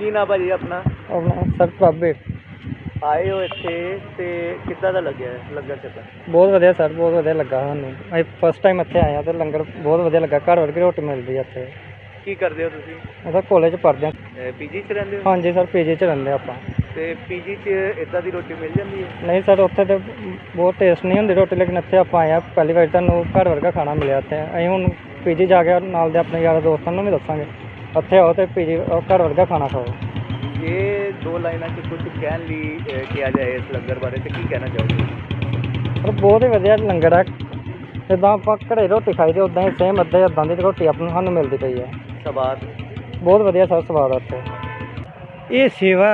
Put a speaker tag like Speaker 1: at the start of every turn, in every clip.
Speaker 1: ਕੀ ਨਾ ਭਾਜੀ ਆਪਣਾ?
Speaker 2: ਆਪਣਾ ਸਰ ਬਾਬੇ
Speaker 1: ਆਏ ਹੋ ਇੱਥੇ ਤੇ ਕਿੱਦਾਂ ਦਾ ਲੱਗਿਆ ਲੰਗਰ ਛਕਣ?
Speaker 2: ਬਹੁਤ ਵਧੀਆ ਸਰ, ਬਹੁਤ ਵਧੀਆ ਲੱਗਾ ਸਾਨੂੰ। ਅਸੀਂ ਫਸਟ ਟਾਈਮ ਇੱਥੇ ਆਏ ਹਾਂ ਤੇ ਲੰਗਰ ਬਹੁਤ ਵਧੀਆ ਲੱਗਾ। ਘਰ ਵਰਗੀ ਰੋਟੀ ਮਿਲਦੀ ਹੈ ਇੱਥੇ।
Speaker 1: ਕੀ ਕਰਦੇ ਹੋ ਤੁਸੀਂ?
Speaker 2: ਅਸੀਂ ਕਾਲਜ ਪੜ੍ਹਦੇ ਹਾਂ।
Speaker 1: ਪੀਜੀ 'ਚ ਰਹਿੰਦੇ ਹੋ?
Speaker 2: ਹਾਂਜੀ ਸਰ, ਪੀਜੀ 'ਚ ਰਹਿੰਦੇ ਆਪਾਂ।
Speaker 1: ਤੇ ਪੀਜੀ 'ਚ ਇੱਦਾਂ ਦੀ ਰੋਟੀ ਮਿਲ ਜਾਂਦੀ ਹੈ?
Speaker 2: ਨਹੀਂ ਸਰ, ਉੱਥੇ ਤਾਂ ਬਹੁਤ ਟੇਸਟ ਨਹੀਂ ਹੁੰਦੀ ਰੋਟੀ, ਲੇਕਿਨ ਇੱਥੇ ਆਪਾਂ ਆਏ ਹਾਂ ਪਹਿਲੀ ਵਾਰ, ਤੁਹਾਨੂੰ ਘਰ ਵਰਗਾ ਖਾਣਾ ਮਿਲਿਆ ਇੱਥੇ। ਅਸੀਂ ਹੁਣ ਪੀਜੀ ਜਾ ਕੇ ਨਾਲ ਦੇ ਆਪਣੇ ਯਾਰਾਂ ਦੋਸਤਾਂ ਨੂੰ ਵੀ ਦੱਸਾਂਗੇ ਇੱਥੇ ਆਓ ਤੇ ਪੀਜੀ ਘਰ ਵਰਗਾ ਖਾਣਾ ਖਾਓ।
Speaker 1: ਇਹ ਦੋ ਲਾਈਨਾਂ 'ਚ ਕੁਝ ਕਹਿਣ ਲਈ ਕਿਹਾ ਜਾਏ ਇਸ ਲੰਗਰ ਬਾਰੇ ਤੇ ਕੀ ਕਹਿਣਾ ਚਾਹੋਗੇ?
Speaker 2: ਪਰ ਬਹੁਤ ਹੀ ਵਧੀਆ ਲੰਗਰ ਹੈ। ਜਿੱਦਾਂ ਆਪਾਂ ਘਰੇ ਰੋਟੀ ਖਾਈ ਦੀ ਉੱਦਾਂ ਹੀ ਸੇਮ ਇੱਦਾਂ ਦੀ ਰੋਟੀ ਸਾਨੂੰ ਮਿਲਦੀ ਪਈ ਹੈ।
Speaker 1: ਸਵਾਦ
Speaker 2: ਬਹੁਤ ਵਧੀਆ ਸਰ, ਸਵਾਦ ਆ ਇੱਥੇ।
Speaker 3: ਇਹ ਸੇਵਾ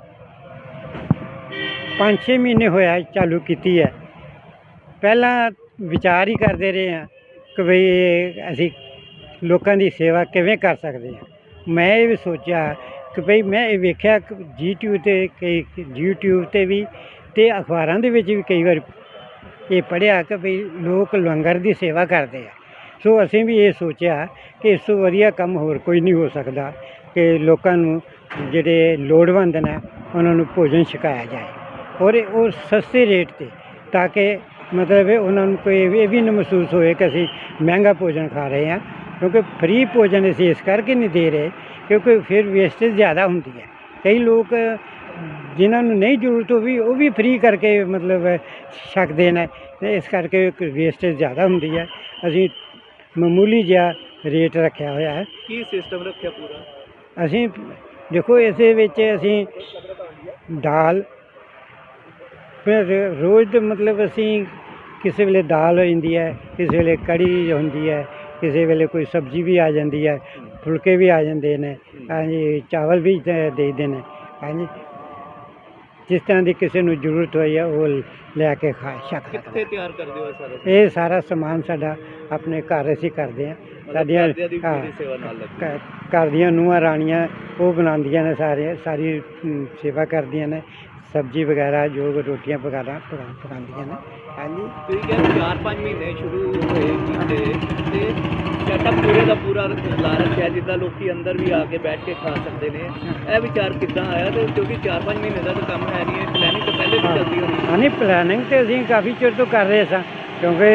Speaker 3: 5-6 ਮਹੀਨੇ ਹੋਇਆ ਚਾਲੂ ਕੀਤੀ ਹੈ। ਪਹਿਲਾਂ ਵਿਚਾਰ ਹੀ ਕਰਦੇ ਰਹੇ ਹਾਂ ਕਿ ਬਈ ਅਸੀਂ ਲੋਕਾਂ ਦੀ ਸੇਵਾ ਕਿਵੇਂ ਕਰ ਸਕਦੇ ਹਾਂ। ਮੈਂ ਇਹ ਵੀ ਸੋਚਿਆ ਕਿ ਭਈ ਮੈਂ ਇਹ ਵੇਖਿਆ ਕਿ YouTube 'ਤੇ ਵੀ ਅਤੇ ਅਖਬਾਰਾਂ ਦੇ ਵਿੱਚ ਵੀ ਕਈ ਵਾਰ ਇਹ ਪੜ੍ਹਿਆ ਕਿ ਭਈ ਲੋਕ ਲੰਗਰ ਦੀ ਸੇਵਾ ਕਰਦੇ ਆ। ਸੋ ਅਸੀਂ ਵੀ ਇਹ ਸੋਚਿਆ ਕਿ ਇਸ ਤੋਂ ਵਧੀਆ ਕੰਮ ਹੋਰ ਕੋਈ ਨਹੀਂ ਹੋ ਸਕਦਾ ਕਿ ਲੋਕਾਂ ਨੂੰ ਜਿਹੜੇ ਲੋੜਵੰਦ ਨੇ ਉਹਨਾਂ ਨੂੰ ਭੋਜਨ ਛਕਾਇਆ ਜਾਏ, ਔਰ ਉਹ ਸਸਤੇ ਰੇਟ 'ਤੇ, ਤਾਂ ਕਿ ਮਤਲਬ ਉਹਨਾਂ ਨੂੰ ਕੋਈ ਇਹ ਵੀ ਨਾ ਮਹਿਸੂਸ ਹੋਏ ਕਿ ਅਸੀਂ ਮਹਿੰਗਾ ਭੋਜਨ ਖਾ ਰਹੇ ਹਾਂ। ਕਿਉਂਕਿ ਫਰੀ ਭੋਜਨ ਅਸੀਂ ਇਸ ਕਰਕੇ ਨਹੀਂ ਦੇ ਰਹੇ ਕਿਉਂਕਿ ਫਿਰ ਵੇਸਟੇਜ ਜ਼ਿਆਦਾ ਹੁੰਦੀ ਹੈ। ਕਈ ਲੋਕ ਜਿਨ੍ਹਾਂ ਨੂੰ ਨਹੀਂ ਜ਼ਰੂਰਤ ਉਹ ਵੀ ਫਰੀ ਕਰਕੇ ਮਤਲਬ ਛਕਦੇ ਨੇ, ਅਤੇ ਇਸ ਕਰਕੇ ਵੇਸਟੇਜ ਜ਼ਿਆਦਾ ਹੁੰਦੀ ਹੈ। ਅਸੀਂ ਮਾਮੂਲੀ ਜਿਹਾ ਰੇਟ ਰੱਖਿਆ ਹੋਇਆ ਹੈ।
Speaker 1: ਕੀ ਸਿਸਟਮ ਰੱਖਿਆ ਪੂਰਾ?
Speaker 3: ਅਸੀਂ ਦੇਖੋ ਇਸੇ ਵਿੱਚ ਅਸੀਂ ਦਾਲ, ਫਿਰ ਰੋਜ਼ ਦੇ ਮਤਲਬ ਅਸੀਂ ਕਿਸੇ ਵੇਲੇ ਦਾਲ ਹੋ ਜਾਂਦੀ ਹੈ, ਕਿਸੇ ਵੇਲੇ ਕੜੀ ਹੁੰਦੀ ਹੈ, ਕਿਸੇ ਵੇਲੇ ਕੋਈ ਸਬਜ਼ੀ ਵੀ ਆ ਜਾਂਦੀ ਹੈ, ਫੁਲਕੇ ਵੀ ਆ ਜਾਂਦੇ ਨੇ, ਹਾਂਜੀ ਚਾਵਲ ਵੀ ਦੇ ਦਿੰਦੇ ਨੇ, ਹਾਂਜੀ ਜਿਸ ਤਰ੍ਹਾਂ ਦੀ ਕਿਸੇ ਨੂੰ ਜ਼ਰੂਰਤ ਹੋਈ ਹੈ ਉਹ ਲੈ ਕੇ ਛਕ
Speaker 1: ਕਿੱਥੇ
Speaker 3: ਸਕਦਾ।
Speaker 1: ਤਿਆਰ ਕਰਦੇ ਹੋ ਸਾਰਾ?
Speaker 3: ਇਹ ਸਾਰਾ ਸਮਾਨ ਸਾਡਾ ਆਪਣੇ ਘਰ ਅਸੀਂ ਕਰਦੇ ਹਾਂ। ਸਾਡੀਆਂ
Speaker 1: ਸੇਵਾ ਨਾਲ ਲੱਗੀ।
Speaker 3: ਘਰ ਦੀਆਂ ਨੂੰਹਾਂ ਰਾਣੀਆਂ ਉਹ ਬਣਾਉਂਦੀਆਂ ਨੇ, ਸਾਰੀ ਸੇਵਾ ਕਰਦੀਆਂ ਨੇ, ਸਬਜ਼ੀ ਵਗੈਰਾ ਜੋ ਰੋਟੀਆਂ ਵਗੈਰਾ ਪਕਾਉਂਦੀਆਂ ਨੇ। ਹਾਂਜੀ,
Speaker 1: ਤੁਸੀਂ ਕਹਿੰਦੇ 4-5 ਮਹੀਨੇ ਸ਼ੁਰੂ ਹੋਏ ਕੀਤੇ ਤੇ ਸੈਟਅਪ ਪੂਰੇ ਦਾ ਪੂਰਾ ਲਾ ਰੱਖਿਆ ਜਿੱਦਾਂ ਲੋਕੀ ਅੰਦਰ ਵੀ ਆ ਕੇ ਬੈਠ ਕੇ ਖਾ ਸਕਦੇ ਨੇ। ਇਹ ਵਿਚਾਰ ਕਿੱਦਾਂ ਆਇਆ? ਤੇ ਕਿਉਂਕਿ 4-5 ਮਹੀਨੇ ਦਾ ਤਾਂ ਕੰਮ ਹੈ ਨਹੀਂ, ਇਹ ਪਲੈਨਿੰਗ ਤਾਂ ਪਹਿਲੇ ਵੀ ਚੱਲਦੀ ਹੋਣੀ।
Speaker 3: ਹਾਂ ਨਹੀਂ, ਪਲੈਨਿੰਗ ਤਾਂ ਅਸੀਂ ਕਾਫੀ ਚਿਰ ਤੋਂ ਕਰ ਰਹੇ ਸਾਂ, ਕਿਉਂਕਿ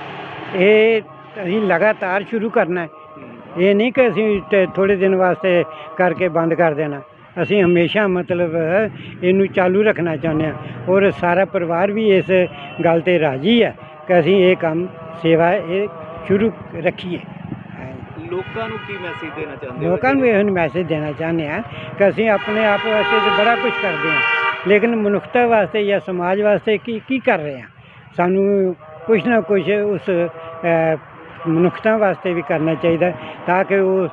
Speaker 3: ਇਹ ਅਸੀਂ ਲਗਾਤਾਰ ਸ਼ੁਰੂ ਕਰਨਾ ਹੈ। ਇਹ ਨਹੀਂ ਕਿ ਅਸੀਂ ਥੋੜ੍ਹੇ ਦਿਨ ਵਾਸਤੇ ਕਰਕੇ ਬੰਦ ਕਰ ਦੇਣਾ। ਅਸੀਂ ਹਮੇਸ਼ਾ ਮਤਲਬ ਇਹਨੂੰ ਚਾਲੂ ਰੱਖਣਾ ਚਾਹੁੰਦੇ ਹਾਂ, ਔਰ ਸਾਰਾ ਪਰਿਵਾਰ ਵੀ ਇਸ ਗੱਲ 'ਤੇ ਰਾਜ਼ੀ ਹੈ ਕਿ ਅਸੀਂ ਇਹ ਕੰਮ ਸੇਵਾ ਇਹ ਸ਼ੁਰੂ ਰੱਖੀਏ।
Speaker 1: ਲੋਕਾਂ ਨੂੰ ਕੀ ਮੈਸੇਜ ਦੇਣਾ ਚਾਹੁੰਦੇ ਹੋ?
Speaker 3: ਲੋਕਾਂ ਨੂੰ ਇਹ ਮੈਸੇਜ ਦੇਣਾ ਚਾਹੁੰਦੇ ਹਾਂ ਕਿ ਅਸੀਂ ਆਪਣੇ ਆਪ ਵਾਸਤੇ ਤਾਂ ਬੜਾ ਕੁਝ ਕਰਦੇ ਹਾਂ, ਲੇਕਿਨ ਮਨੁੱਖਤਾ ਵਾਸਤੇ ਜਾਂ ਸਮਾਜ ਵਾਸਤੇ ਕੀ ਕਰ ਰਹੇ ਹਾਂ। ਸਾਨੂੰ ਕੁਛ ਨਾ ਕੁਛ ਉਸ ਮਨੁੱਖਤਾ ਵਾਸਤੇ ਵੀ ਕਰਨਾ ਚਾਹੀਦਾ, ਤਾਂ ਕਿ ਉਹ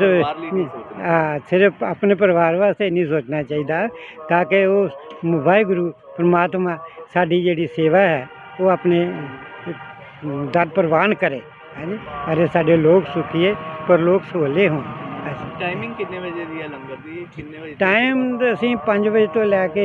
Speaker 3: ਸਿਰਫ ਆਪਣੇ ਪਰਿਵਾਰ ਵਾਸਤੇ ਨਹੀਂ ਸੋਚਣਾ ਚਾਹੀਦਾ, ਤਾਂ ਕਿ ਉਹ ਵਾਹਿਗੁਰੂ ਪਰਮਾਤਮਾ ਸਾਡੀ ਜਿਹੜੀ ਸੇਵਾ ਹੈ ਉਹ ਆਪਣੇ ਦਰ ਪ੍ਰਵਾਨ ਕਰੇ। ਹਾਂਜੀ, ਅਰੇ ਸਾਡੇ ਲੋਕ ਸੁਖੀਏ ਪਰ ਲੋਕ ਸੋਲੇ ਹੋਣ।
Speaker 1: ਟਾਈਮਿੰਗ ਕਿੰਨੇ ਵਜੇ ਦੀ ਹੈ ਲੰਗਰ ਦੀ? ਕਿੰਨੇ ਵਜੇ
Speaker 3: ਟਾਈਮ ਅਸੀਂ 5 ਵਜੇ ਤੋਂ ਲੈ ਕੇ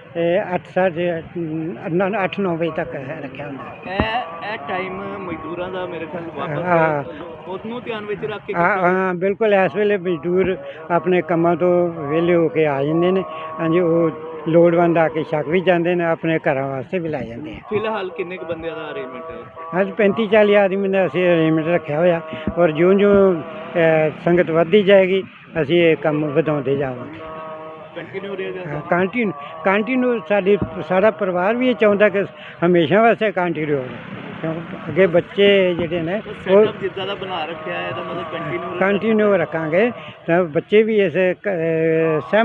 Speaker 3: 8-9 ਵਜੇ ਤੱਕ ਰੱਖਿਆ ਹੁੰਦਾ।
Speaker 1: ਇਹ ਟਾਈਮ ਮਜ਼ਦੂਰਾਂ ਦਾ ਮੇਰੇ ਖਿਆਲ ਵਾਪਸ ਉਹਨੂੰ ਧਿਆਨ ਵਿੱਚ ਰੱਖ ਕੇ?
Speaker 3: ਹਾਂ ਬਿਲਕੁਲ, ਇਸ ਵੇਲੇ ਮਜ਼ਦੂਰ ਆਪਣੇ ਕੰਮਾਂ ਤੋਂ ਵਿਹਲੇ ਹੋ ਕੇ ਆ ਜਾਂਦੇ ਨੇ। ਹਾਂਜੀ, ਉਹ ਲੋੜਵੰਦ ਆ ਕੇ ਛਕ ਵੀ ਜਾਂਦੇ ਨੇ, ਆਪਣੇ ਘਰਾਂ ਵਾਸਤੇ ਵੀ ਲੈ ਜਾਂਦੇ ਆ।
Speaker 1: ਫਿਲਹਾਲ ਕਿੰਨੇ ਕੁ ਬੰਦਿਆਂ ਦਾ ਅਰੇਂਜਮੈਂਟ ਹੈ?
Speaker 3: ਅੱਜ 35-40 ਆਦਮੀ ਦਾ ਅਸੀਂ ਅਰੇਂਜਮੈਂਟ ਰੱਖਿਆ ਹੋਇਆ, ਔਰ ਜਿਉਂ ਸੰਗਤ ਵੱਧਦੀ ਜਾਏਗੀ ਅਸੀਂ ਇਹ ਕੰਮ ਵਧਾਉਂਦੇ ਜਾਵਾਂਗੇ।
Speaker 1: ਕੰਟੀਨਿਊ ਰਹੇਗਾ?
Speaker 3: ਕੰਟੀਨਿਊ ਸਾਡਾ ਪਰਿਵਾਰ ਵੀ ਇਹ ਚਾਹੁੰਦਾ ਕਿ ਹਮੇਸ਼ਾ ਵਾਸਤੇ ਕੰਟੀਨਿਊ ਹੋਵੇ, ਕਿਉਂਕਿ ਅੱਗੇ ਬੱਚੇ ਜਿਹੜੇ ਨੇ ਉਹ
Speaker 1: ਜਿੱਦਾਂ ਦਾ ਬਣਾ ਰੱਖਿਆ ਹੈ ਇਹਦਾ ਮਤਲਬ ਕੰਟੀਨਿਊ
Speaker 3: ਰੱਖਾਂਗੇ, ਤਾਂ ਬੱਚੇ ਵੀ ਇਸ